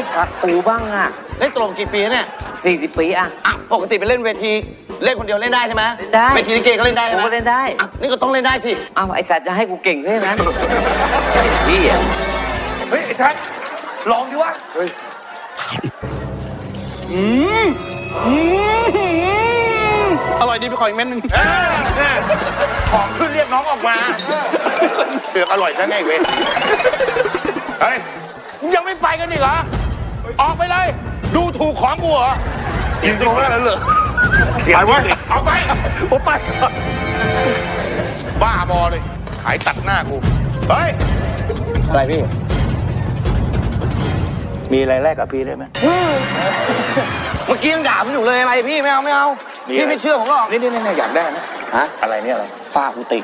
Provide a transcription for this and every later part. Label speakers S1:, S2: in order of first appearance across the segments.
S1: ถักปูบ้างอ่ะ
S2: เล่นตลกกี่ปีเนี่ย
S1: 40 ปีอ่ะ
S2: อ่ะปกติไปเล่นเวทีเล่นคนเดียวเล่นได้ใช่ไหม
S1: ได้
S2: เวทีลิเกก็เล่นได้ใช่ไหม
S1: ผมก็เล่นได้
S2: อ่ะนี่ก็ต้องเล่นได้สิ
S1: เอาไอสัตว์จะให้กูเก่งด้วยนะพี่อ่ะ
S3: เฮ้ยไอ้แท็กลองดิวะเฮ้ยอร่อยดีไปขออีกเม็ดนึงของขึ้นเรียกน้องออกมาเสือกอร่อยซะไงเว้ยเฮ้ยยังไม่ไปกันอีกเหรอออกไปเลยดูถูกของกูเหรอเสียงตรงนั้นเหรอเสียงไว้เอาไปผมไปบ้าบอเลยขายตัดหน้ากูเฮ้ย
S2: อะไรพี่
S3: มีอะไรแลกกับพี่ได้ไหม
S2: เมื่อกี้ยังด่าผมอยู่เลยอะไรพี่ไม่เอาไม่เอา
S3: มีอะไร
S2: พี่ไม่เชื่อผมหรอก
S3: นี่อยากได้ไหม
S2: ฮะ
S3: อะไรเนี่ยอะไร
S2: ฝ้ากุฏิ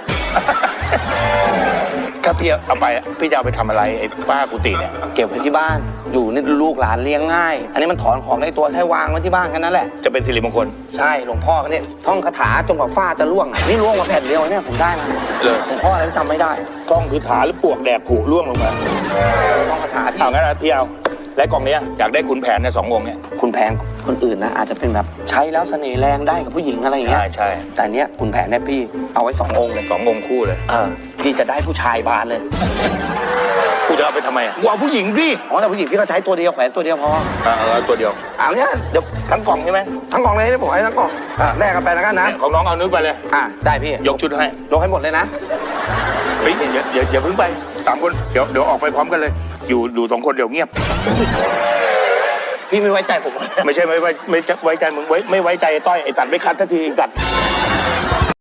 S3: ถ้าพี่เอาไปพี่จะเอาไปทำอะไรไอ้ป้ากุฏิเนี่ย
S2: เก็บไว้ที่บ้านอยู่นี่ลูกหลานเลี้ยงง่าย อันนี้มันถอนของได้ตัวแค่วางไว้ที่บ้านแค่นั้นแหละ
S3: จะเป็นสิริมงคล
S2: ใช่หลวงพ่อเนี่ยท่องคาถาจนกว่าฝ้าจะร่วงอ่ะนี่ร่วงมาแผ่นเดียวเนี่ยผมได้มา
S3: เลย
S2: หลวงพ่ออะไรจำไม่ได้
S3: กล้องคือถาหรือปวกแดกผูร่วงลงมา
S2: ท่องคาถาพี่
S3: เอางั้นนะพี่เอาและกล่องเนี้ยอยากได้ขุนแผนเนี่ย2 องค์เนี่ย
S2: คุณแผนคนอื่นนะอาจจะเป็นแบบใช้แล้วเสน่ห์แรงได้กับผู้หญิงอะไรอย่างเงี้ย
S3: ใช่
S2: แต่เนี้ยคุณแผนเนี่ยพี่เอาไว้2 องค์เลย
S3: 2 องค์คู่เลย
S2: พี่จะได้ผู้ชายบานเลย
S3: กูจะเอาไปทำไมอ่ะกูเอาผู้หญิงสิ
S2: อ๋อแต่ผู้หญิงพี่ก็ใช้ตัวเดียวแขวนตัวเดียวพอ
S3: เอาตัวเดียว
S2: เอาเนี้ยเดี๋ยว
S3: ทั้งกล่องใช่ไหม
S2: ทั้งกล่องเลยให้ผมให้ทั้งกล่องแลกกันไปแล้วกันนะ
S3: ของน้องเอานึกไปเลย
S2: ได้พี่
S3: ยกชุดให้
S2: ลงให้หมดเลยนะ
S3: เฮ้ยอย่าเพิ่งไป3 คนเดี๋ยวออกไปพร้อมกันเลย อยู่2 คนเดี๋ยวเงียบ
S2: พี่ไม่ไว้ใจผม
S3: ไม่ใช่ไม่ไว้ใจมึงไม่ไว้ใจไอ้ต้อยไอ้สัตว์ไม่คัดทันทีไอ้สัตว์